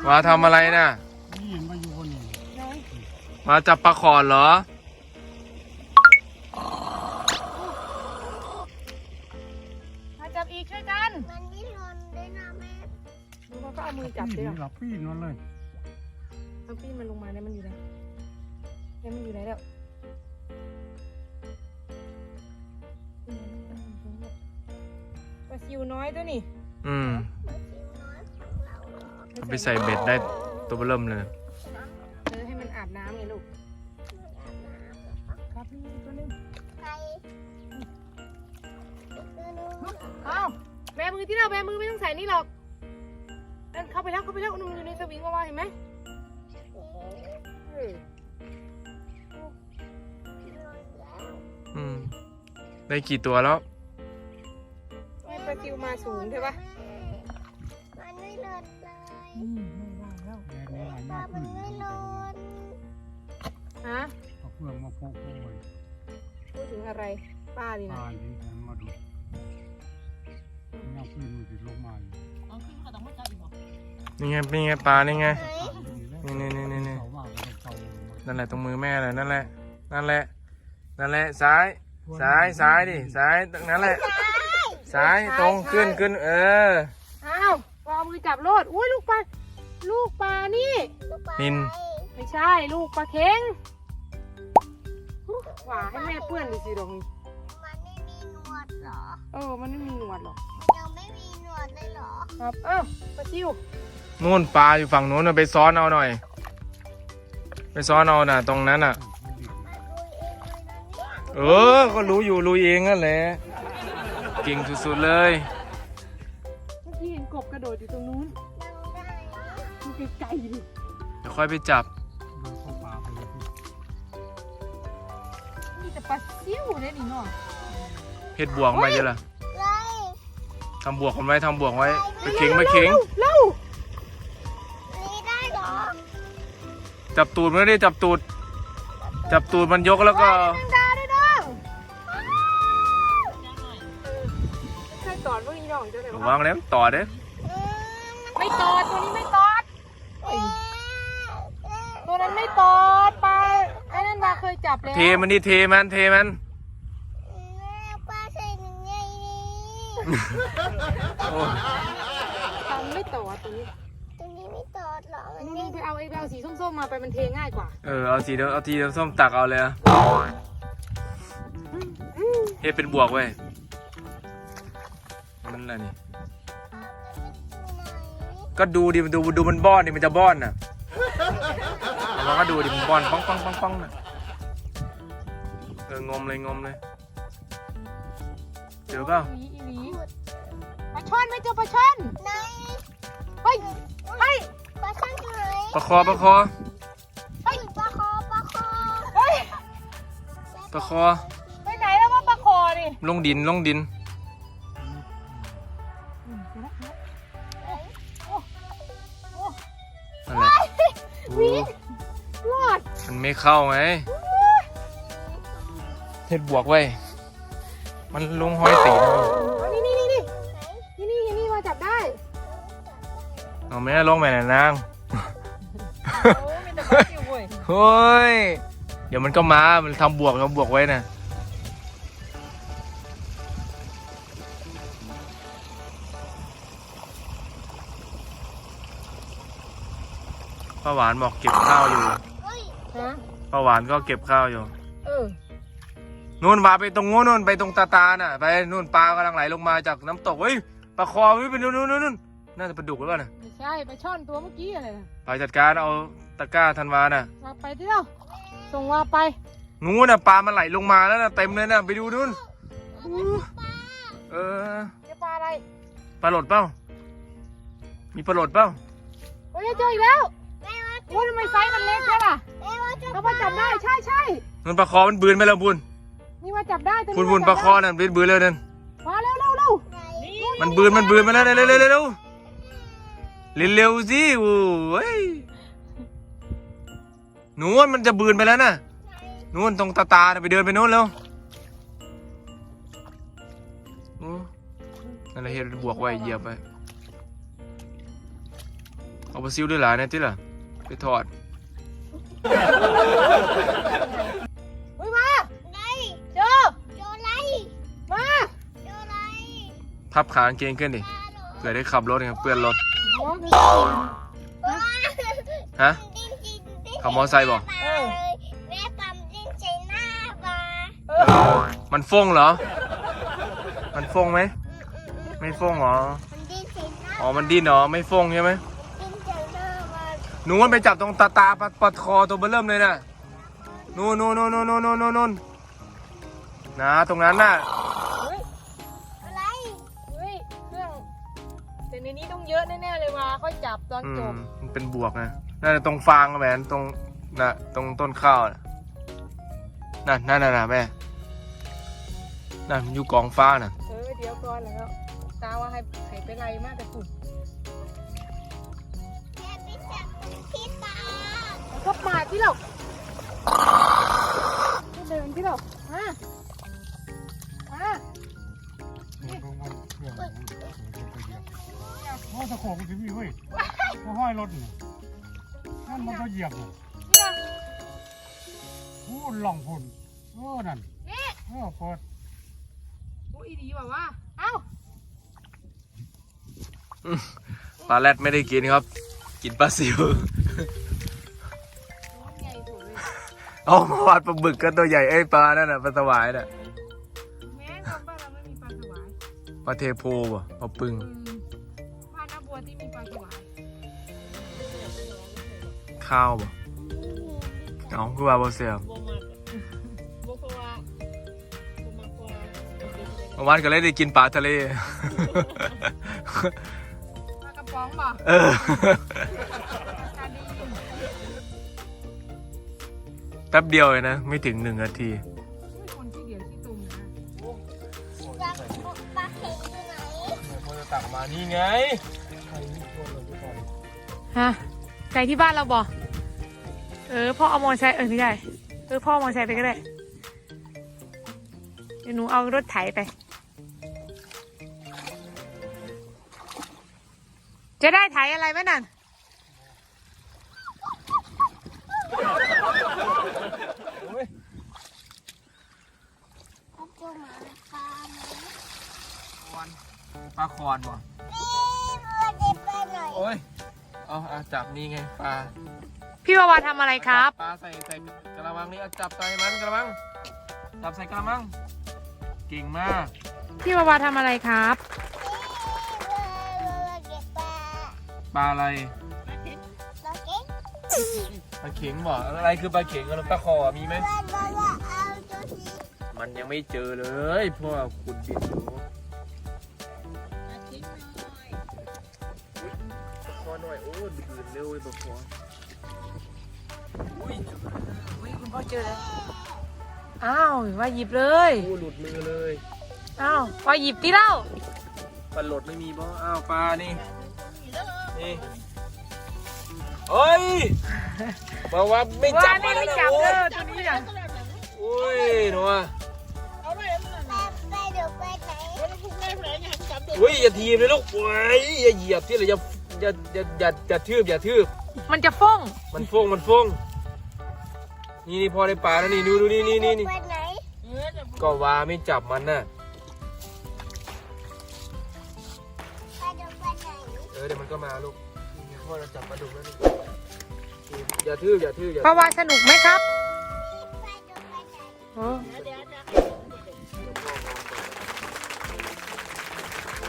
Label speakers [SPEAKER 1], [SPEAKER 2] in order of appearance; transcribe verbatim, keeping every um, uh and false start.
[SPEAKER 1] มาทำอะไรน่ะมาจับปลาขอนเหรอ
[SPEAKER 2] มาจับอีกช่วยกัน
[SPEAKER 3] มันไม่ทนด้วยนะแม่
[SPEAKER 2] ดูเขาก็เอามือจับเลย
[SPEAKER 4] หลับปีนอนเลย
[SPEAKER 2] เอาปีนมันลงมาเนี่ยมันอยู่ไหนเนี่ยมันอยู่ไหนแล้วปลาซิวน้อยตัวนี่
[SPEAKER 1] อืม
[SPEAKER 3] มันชิวน้อยของเรา
[SPEAKER 1] เอาไปใส่เบ็ดได้ตัวเริ่มเลย
[SPEAKER 2] เออให้มันอาบน้ำไงลูกครับนี่ตัวนึง
[SPEAKER 3] ใครตัวนู้น
[SPEAKER 2] เอาแบมือที่เราแบมือไม่ต้องใส่นี่หรอกนั่นเข้าไปแล้วเข้าไปแล้วนุ่มอยู่ในสวิงว่าเห็นไหมเออ
[SPEAKER 1] อืมได้กี่ตัวแล้ว
[SPEAKER 2] ให้ปลาซิวมาสูงใช่ปะ
[SPEAKER 3] มันไม่หล่นเลย
[SPEAKER 2] อืมไม่ว่างแล้ว
[SPEAKER 3] ปลามันไม่หล่น
[SPEAKER 2] ฮะ
[SPEAKER 4] เอาเครื่องมาโปะโปะไว้
[SPEAKER 2] พูดถึงอะไรป้าดินะ
[SPEAKER 4] ปลาที่ฉันมาดูยังปีนมันติดลงมาอยู่
[SPEAKER 1] นี่ไงเป็นไงปลานี่ไง
[SPEAKER 3] ไหน
[SPEAKER 1] นี่นี่นี่นี่
[SPEAKER 4] เสาว่าก็ต้องเสา
[SPEAKER 1] นั่นแหละตรงมือแม่เลยนั่นแหละนั่นแหละนั่นแหละซ้ายซ้ายซ้ายดิซ้ายตรงนั้นแหละซ้ายตรงขึ้นขึ้นเออ
[SPEAKER 2] อ้าววางมือจับโลดอุ้ยลูกปลาลูกปลานี่
[SPEAKER 1] นิน
[SPEAKER 2] ไม่ใช่ลูกปลาเค็งหว่าให้แม่เปื้อนดิสิดง
[SPEAKER 3] มันไม่มีหนวดเหรอ
[SPEAKER 2] เออมันไม่มีหนวดหรอก
[SPEAKER 3] ยังไม่มีหนวดเลยเหรอ
[SPEAKER 2] ครับเอ้าปลาซิว
[SPEAKER 1] นู่นปลาอยู่ฝั่งนู้นน่ะไปซ้อนเอาหน่อย ไปซ้อนเอาน่ะตรงนั้นน่ะ
[SPEAKER 3] มันลุยเองเลยนะเนี่ย
[SPEAKER 1] เออก็รู้อยู่รู้เองนั่นแหละเก่งสุดๆเลย
[SPEAKER 2] เมื่อกี้เห็นกบกระโดดอยู่ตรงนู้น
[SPEAKER 3] ยังได้นะ
[SPEAKER 2] ดูไกลๆดิ
[SPEAKER 1] เดี๋ยวค่อยไปจับ
[SPEAKER 4] โดนเข้าป่าไปเลย
[SPEAKER 2] นี่แต่ปลาซิวเนี่ยนี่เนาะ
[SPEAKER 1] เพชรบวกมาเยอะล่ะ
[SPEAKER 3] เลย
[SPEAKER 1] ทำบวกกันไว้ทำบวกไว้ไปเข็งไปเข็ง
[SPEAKER 2] เร็ว
[SPEAKER 3] นี่ได้เหรอ
[SPEAKER 1] จับตูดมันได้จับตูด จับตูดมันยกแล้วก็
[SPEAKER 2] แมงดาด้วยน้องใช่ตอดว่าอีน้องจะได้
[SPEAKER 1] ระวังแล้วต่อเด้อ
[SPEAKER 3] อืม
[SPEAKER 2] ไม่ตอดตัวนี้ไม่ตอด
[SPEAKER 3] เอ๊ะเอ๊ะ
[SPEAKER 2] ตัวนั้นไม่ตอดปลาไอ้นั่นมาเคยจับแล้ว
[SPEAKER 1] เทมันดิเทมันเทมัน
[SPEAKER 3] แม่ปลาใส่หนึ่งใหญ่นี่
[SPEAKER 1] โอ้
[SPEAKER 2] ทำไม่ตอดตัวนี้
[SPEAKER 3] ตรงนี้ไม่ตอดเหรอมัน
[SPEAKER 2] นู่
[SPEAKER 3] ไม่
[SPEAKER 2] นๆไปเอาไอ้ไปเอาสีส้มๆมาไปมันเทง่ายกว่า
[SPEAKER 1] เออเอาสีเดียวเอาทีเดียวส้มตักเอาเลยอะเฮ็ดเป็นบวกเว้ยมันอะไรนี่ก็ดูดิมันดูดูมันบ้อนดิมันจะบ้อนน่ะเราก็ดูดิมันบ้อนป้องป้องป้องป้องน่ะเอองมเลยงมเลยเจอเปล่า
[SPEAKER 2] อีหลีอีหลีปลาช่อนไม่เจอปลาช่อน
[SPEAKER 3] ไหน
[SPEAKER 2] เฮ้ยเฮ้ย
[SPEAKER 3] ปลาช่อนอยู่ไหน
[SPEAKER 1] ประคอประคอ
[SPEAKER 3] เฮ้ยปลาคอปลาคอ
[SPEAKER 2] เฮ้ย
[SPEAKER 1] ประคอ
[SPEAKER 2] ไปไหนแล้วว่าปลาคอดิ
[SPEAKER 1] ลงดินลงดินนั่นแหละโอ้
[SPEAKER 2] รอด
[SPEAKER 1] มันไม่เข้าไงเฮ็ดบวกไว้มันลงห้อยตีน
[SPEAKER 2] เอานี่นี่นี่นี่นี่นี่นี่มาจับได้
[SPEAKER 1] เอาแม่ลงไปไหนนาง
[SPEAKER 2] โอ้มีแต่ปลาซิวเว้ย
[SPEAKER 1] เฮ้ยเดี๋ยวมันก็มามันทำบวกทำบวกไว้นะป้าหวานบอกเก็บข้าวอยู่
[SPEAKER 3] เฮ้ย
[SPEAKER 2] ฮะ
[SPEAKER 1] ป้าหวานก็เก็บข้าวอยู่
[SPEAKER 2] เออ
[SPEAKER 1] นู่นมาไปตรงโน้นนู่นไปตรงตาตาน่ะไปนู่นปลากำลังไหลลงมาจากน้ำตกเฮ้ยปลาคอเฮ้ยไปนู่นนู่นนู่นน่าจะปลาดุกหรือเปล่าน่ะ
[SPEAKER 2] ไม่ใช่ปลาช่อนตัวเมื่อกี้อะไรนะ
[SPEAKER 1] ไปจัดการเอาตะกร้าธันวาน่ะ
[SPEAKER 2] มาไปที่เราส่งว่าไป
[SPEAKER 1] นู้นน่ะปลามันไหลลงมาแล้วน่ะเต็มเลยน่ะไปดูนู่นเออ
[SPEAKER 2] เจอปลาอะไร
[SPEAKER 1] ปลาหลดเปล่ามีปลาหลดเปล่า
[SPEAKER 2] โอ้ยเจออีกแล้ว
[SPEAKER 3] แม่ว่า
[SPEAKER 2] โอ้ยทำไมไซส์มันเล็กแค่ล่ะ
[SPEAKER 3] แม่ว่าจะ
[SPEAKER 2] เรามาจับได้ใช่ใช่
[SPEAKER 1] นั่นปลาคอมันบืนไปแล้วบุญ
[SPEAKER 2] นี่มาจับได้ตัว
[SPEAKER 1] บุญ
[SPEAKER 2] นี้
[SPEAKER 1] บุญปลาคอนั่นบืนบืนเลยนั่น
[SPEAKER 2] มาเร็วเร็วเร็ว
[SPEAKER 3] ไหน
[SPEAKER 1] มันบืนมันบืนมาแล้วเร็วเร็วเร็วเร็วเร็วเร็วสิโอ้ยนู้นมันจะบืนไปแล้วน่ะนู้นตรงตาตาน่ะไปเดินไปนู้นเร็วโอ้นั่นแหละเฮ็ดบวกไว้เหยียบไปเอาปลาซิวด้วยหลายนะที่ล่ะไปทอด
[SPEAKER 2] เฮ้ยมา
[SPEAKER 3] ไง
[SPEAKER 2] เจอ
[SPEAKER 3] โจไร
[SPEAKER 2] มา
[SPEAKER 3] โจไร
[SPEAKER 1] พับขากางเกงขึ้นดิเผื่อได้ขับรถไงเปื้อนรถ
[SPEAKER 2] มอง
[SPEAKER 1] ฮะ
[SPEAKER 3] ดิ้นดิ้นดิ้น
[SPEAKER 1] ขับมอไซค์บอก
[SPEAKER 3] เออแม่ปั๊มดิ้นใส่หน้าปลา
[SPEAKER 2] เออ
[SPEAKER 1] มันฟงเหรอ มันฟงไหมไม่ฟงเหรอ
[SPEAKER 3] มันดิ้นใส่หน้า
[SPEAKER 1] อ๋อมันดิ้นเหรอไม่ฟงใช่ไหม
[SPEAKER 3] ดิ้นใส่หน้าปลา
[SPEAKER 1] หนูมันไปจับตรงตาตาปัดปัดคอตัวเบอเริ่มเลยน่ะนู่นนู่นนู่นนู่นนู่นนู่นนู่นนะตรงนั้นน่ะ
[SPEAKER 2] เฮ้ย
[SPEAKER 3] อะไร
[SPEAKER 2] เฮ้ยเครื่องแต่ในนี้ต้องเยอะแน่ๆเลยว่าค่อยจับตอน
[SPEAKER 1] อื
[SPEAKER 2] จ
[SPEAKER 1] ม
[SPEAKER 2] บ
[SPEAKER 1] มันเป็นบวกนะน่าจะตรงฟางแหวนตรงน่ะตรงต้นข้าวน่ะนั่นนั่นน่ะน่ะแม่นั่นอยู่กองฟ้าน่ะ
[SPEAKER 2] เออเดี๋ยวก่อนแล้วตาว่าให้ให้ไปไล่มากแต่ฝุ่น
[SPEAKER 3] แม่ไปจับพี่ตา
[SPEAKER 2] แล้วก็มาที่เราเดินที่เรามามา
[SPEAKER 4] มันลงมาเครื่องมันเดี๋ยวไปเหยียบโอ้ตะโขกมันถึงมีเว้ยก็ห้อยรถนี่นั่นมันก็เหยียบน่ะ
[SPEAKER 2] เนี่ย
[SPEAKER 4] พูดหล่องพุ่นเออนั่น
[SPEAKER 2] นี่
[SPEAKER 4] เออเปิด
[SPEAKER 2] โอ้ยดีแบบว่าเอ้า
[SPEAKER 1] ปลาแรดไม่ได้กินครับ กินปลาซิว
[SPEAKER 2] ใหญ่สุดเลย
[SPEAKER 1] เอามาวาดปลาบึกกันตัวใหญ่ไอ้ยปลานั่นน่ะปลาสวายน่ะ
[SPEAKER 2] แม้เราบ้านเราไม่มีปลาสวาย
[SPEAKER 1] ปลาเทโพบ่ปลาปึง
[SPEAKER 2] อืมบ้านน้าบัวที่มีปลาสวาย
[SPEAKER 1] ข้าวบ่เอาคือว่าบ่เสียบ
[SPEAKER 2] บัวมากบัวเพราะว่าบัวมากกว่า
[SPEAKER 1] เมื่อวานก็เลยได้กินปลาทะเล
[SPEAKER 2] ปลากระป๋องบ่
[SPEAKER 1] เออ
[SPEAKER 2] ตาดี
[SPEAKER 1] แป๊บเดียวเลยนะ ไม่ถึงหนึ่งนาที
[SPEAKER 2] ไม่คนที่เดียวที่ตุ่มนะ
[SPEAKER 3] จับปลาเข็งอยู่ไหน
[SPEAKER 1] พอจะตักมานี่ไง
[SPEAKER 2] ฮะไก่ที่บ้านเราบ่เออพ่อเอามอเตอร์ไซค์เออไม่ได้เออพ่อเอามอเตอร์ไซค์ไปก็ได้เดี๋ยวหนูเอารถไถไป จะได้ไถอะไรไหมนั่น
[SPEAKER 3] เอาเจ้าหมาปลาไหม
[SPEAKER 1] ปลาคอนบ่
[SPEAKER 3] นี่เพื่อนเด็กไปหน่อย
[SPEAKER 1] โอ้ยเอาเอาจับนี่ไงปลา
[SPEAKER 2] พี่วาวาทำอะไรครับ
[SPEAKER 1] ปลาใส่ใส่กระมังนี่เอาจับใส่มันกระมัง จับใส่กระมัง เก่งมาก
[SPEAKER 2] พี่วาวาทำอะไรครับ
[SPEAKER 3] นี่เพื่อนเด็กปลา
[SPEAKER 1] ปลาอะไร
[SPEAKER 3] เราเก่ง
[SPEAKER 1] ปลาเข็งบ่อะไรคือปลาเข็งกับปลาคอมีไหม
[SPEAKER 3] เพื่อนบอกว่าเอาตัวนี้
[SPEAKER 1] มันยังไม่เจอเลยพวกคุณบิดดูคอหน่อยโอ้ดืนเร็วไอ้ปลาคออุ้ย
[SPEAKER 2] อุ้ยคุณพ่อเจอแล้วอ้าวว่าหยิบเลย
[SPEAKER 1] โอ้หลุดมือเลย
[SPEAKER 2] อ้าวว่าหยิบที่เล่า
[SPEAKER 1] ปลาหลดไม่มีบ่อ้าวปลานี่นี่เฮ้ยบอกว่าไม่จั
[SPEAKER 2] ว่า
[SPEAKER 1] บ
[SPEAKER 2] นี่
[SPEAKER 1] มัน
[SPEAKER 2] ไม่
[SPEAKER 1] แล้ว
[SPEAKER 2] จับ
[SPEAKER 1] โอ้
[SPEAKER 2] เด้อตัวนี้น่ะ
[SPEAKER 1] โอ้ยหนูอ่ะ
[SPEAKER 3] แม่ไปเดี๋ยวไปไหน
[SPEAKER 1] อุ้ยอย่าทีบเลยลูกโอ้ยอย่าเหยียบที่เลยอย่าอย่าอย่าอย่าอย่าทืบอย่าทืบ
[SPEAKER 2] มันจะฟ้อง
[SPEAKER 1] มันฟงมันฟงนี่นี่พอได้ปลาแล้วนี่ดูดูนี่นี่นี่นี่
[SPEAKER 3] ไปไหน
[SPEAKER 1] ก็ว่าไม่จับมันน่ะ
[SPEAKER 3] ไปเดี๋ยวไปไหน
[SPEAKER 1] เออเดี๋ยวมันก็มาลูกนี่พ่อเราจับปลาดุกแล้วนี่อย่าทืบอย่าทืบอย่า
[SPEAKER 2] เพราะว่าสนุกไหมครับ
[SPEAKER 3] ไปเดี๋ยวไปไหน
[SPEAKER 2] โอ้
[SPEAKER 3] เดี๋ยว